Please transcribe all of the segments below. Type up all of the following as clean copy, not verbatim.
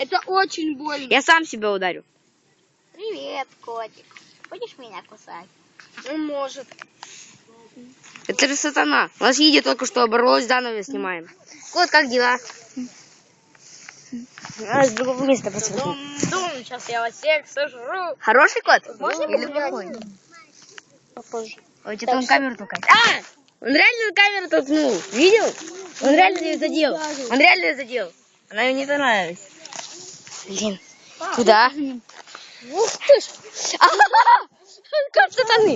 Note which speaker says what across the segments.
Speaker 1: Это очень больно.
Speaker 2: Я сам себя ударю.
Speaker 3: Привет, котик. Будешь меня кусать?
Speaker 1: Он может.
Speaker 2: Это же сатана. У нас Едя только что оборвалось, заново снимаем. Кот, как дела? С другого места посмотри.
Speaker 1: Дум, сейчас я вас всех сожру.
Speaker 2: Хороший кот?
Speaker 3: Можно
Speaker 2: Или
Speaker 3: погулять?
Speaker 2: плохой?
Speaker 3: Попозже.
Speaker 2: Ой, что-то он камеру толкает. А! Он реально камеру толкнул. Видел? Он реально ее задел. Он реально ее задел. Она ему не понравилась. Блин. Куда?
Speaker 1: Ух ты ж.
Speaker 2: Как сатаны.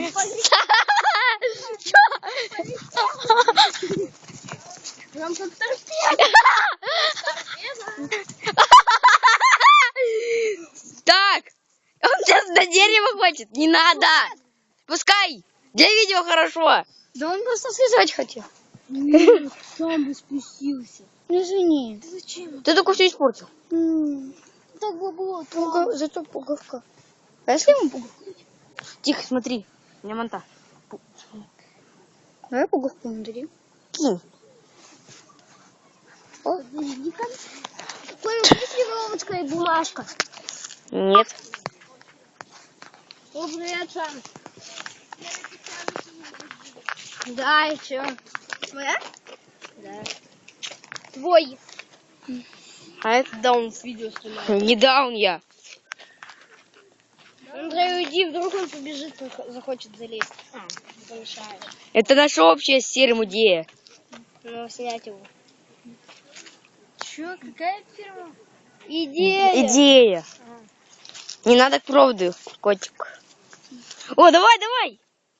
Speaker 1: Прям как торпеда.
Speaker 2: Так. Он сейчас до дерева хочет. Не надо. Пускай. Для видео хорошо.
Speaker 1: Да он просто связать хотел. Сам бы спустился.
Speaker 3: Извини.
Speaker 1: Ты зачем?
Speaker 2: Ты только все испортил.
Speaker 1: Так было.
Speaker 3: Зато пуговка. А если ему пуговку?
Speaker 2: Тихо, смотри. У меня монта.
Speaker 3: Давай пуговку ему дадим.
Speaker 2: Кинь.
Speaker 1: Пластилиновочка и бумажка.
Speaker 2: Нет.
Speaker 1: Привет, Сан. Да, и чё? Твоя?
Speaker 3: Да.
Speaker 1: Твой.
Speaker 2: А это
Speaker 1: Даун с видео снимает.
Speaker 2: не даун я.
Speaker 1: Андрей, уйди, вдруг он побежит, захочет залезть. Помешаешь.
Speaker 2: Это наша общая с Серым идея.
Speaker 1: Ну, снять его. Чё, какая фирма? Идея.
Speaker 2: Идея. Не надо к проводу, котик. О, давай, давай.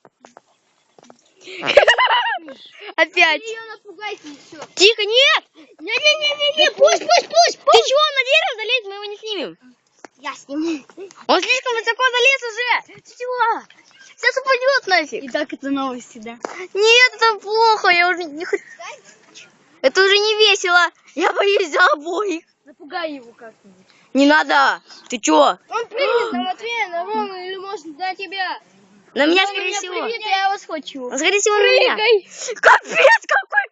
Speaker 2: Опять.
Speaker 1: Ее напугайте, и все.
Speaker 2: Тихо, нет.
Speaker 1: Не-не-не-не, пусть.
Speaker 2: Ты чего, он на дерево залезет, мы его не снимем.
Speaker 1: Я сниму.
Speaker 2: Он слишком высоко залез уже. Ты чего? Сейчас упадет нафиг.
Speaker 1: И так это новости, да?
Speaker 2: Нет, это плохо, я уже не хочу. Это уже не весело. Я боюсь за обоих.
Speaker 1: Напугай его как-нибудь.
Speaker 2: Не надо. Ты чё?
Speaker 1: Он прыгнет на Матвея, на Рому или может на тебя.
Speaker 2: На меня,
Speaker 1: Он
Speaker 2: скорее
Speaker 1: меня
Speaker 2: всего.
Speaker 1: прыгнет, я его схвачу.
Speaker 2: Он, скорее всего, на меня.
Speaker 1: Прыгай.
Speaker 2: Капец, какой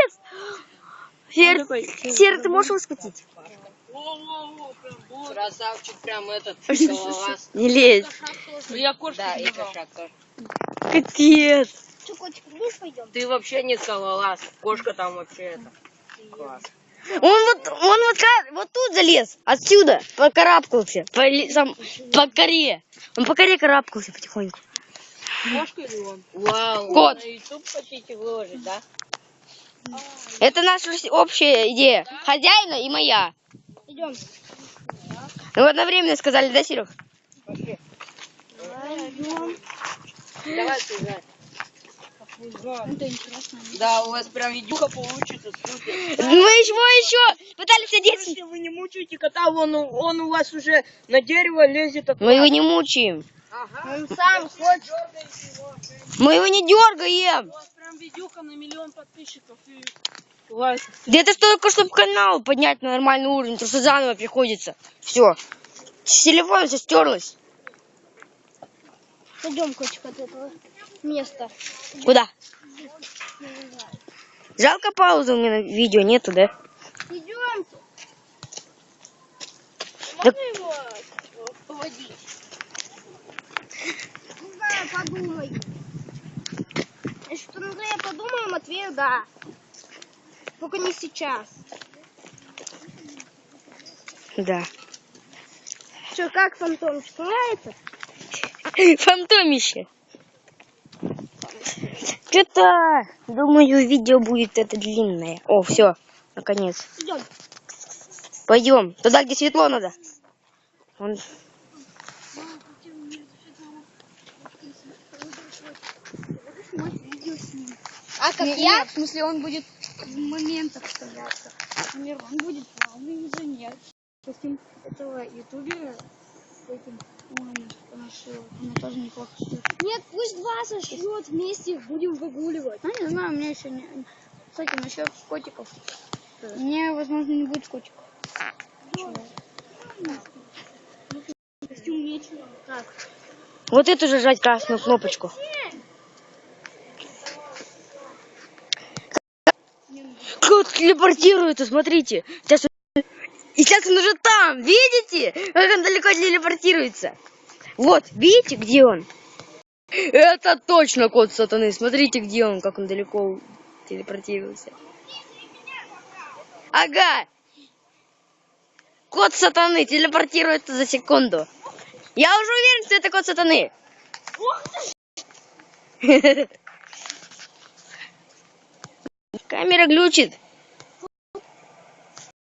Speaker 2: капец. Сер, ты можешь его схватить?
Speaker 4: Красавчик, прям этот головаз.
Speaker 2: Не лезь.
Speaker 4: Я кошку да, и кошак тоже.
Speaker 2: Капец.
Speaker 1: Что, котик, вниз пойдем?
Speaker 4: Ты вообще не скалолаз. Кошка там вообще это. Класс.
Speaker 2: Вот тут залез, отсюда, покарабкался, по коре. Он по коре карабкался потихоньку.
Speaker 4: Кошка или он? Вау.
Speaker 2: Кот.
Speaker 4: На YouTube хотите выложить, да?
Speaker 2: Это наша общая идея. Хозяина и моя.
Speaker 1: Идем.
Speaker 2: Мы одновременно сказали, да, Серег?
Speaker 4: Пошли.
Speaker 1: Идем.
Speaker 4: Давай сюда.
Speaker 1: Это интересно.
Speaker 4: Да, у вас прям видюха получится, супер.
Speaker 2: Мы еще пытались одеться.
Speaker 4: Если вы не мучаете кота, он у вас уже на дерево лезет.
Speaker 2: Мы его не мучаем.
Speaker 4: Ага.
Speaker 1: Он сам хочет.
Speaker 2: Мы его не дергаем.
Speaker 4: У вас прям видюха на 1 миллион подписчиков и лайков.
Speaker 2: Да это только чтобы канал поднять на нормальный уровень, потому что заново приходится. Все. С телефона все стерлось.
Speaker 1: Пойдем, котик, от этого места.
Speaker 2: Куда? Жалко паузы у меня на видео нету, да?
Speaker 1: Идемте.
Speaker 2: Да-
Speaker 1: Можно его поводить? Не знаю, подумай. Если что, Андрея подумаем, Матвею да. Только не сейчас.
Speaker 2: Да.
Speaker 1: Что, как фантомчик, нравится?
Speaker 2: Фантомище. Что-то, думаю, видео будет это длинное. О, все, наконец.
Speaker 1: Идем.
Speaker 2: Пойдем. Туда, где светло надо. Он...
Speaker 1: А как я? В смысле, он будет в моментах вставляться. Например, он будет плавный инженер. Допустим, этого ютубера с этим, она тоже неплохо шьет. Нет, пусть два сошьет вместе, будем выгуливать. Ну, не знаю, у меня еще не... Кстати, насчет котиков. Мне, возможно, не будет котиков. Костюм нечего. Так.
Speaker 2: Вот эту же жать красную кнопочку. Кот телепортируется, смотрите. Сейчас И сейчас он уже там, видите? Как он далеко телепортируется. Вот, видите, где он? Это точно кот сатаны. Смотрите, где он, как он далеко телепортируется. Ага. Кот сатаны телепортируется за секунду. Я уже уверен, что это кот сатаны. Камера глючит.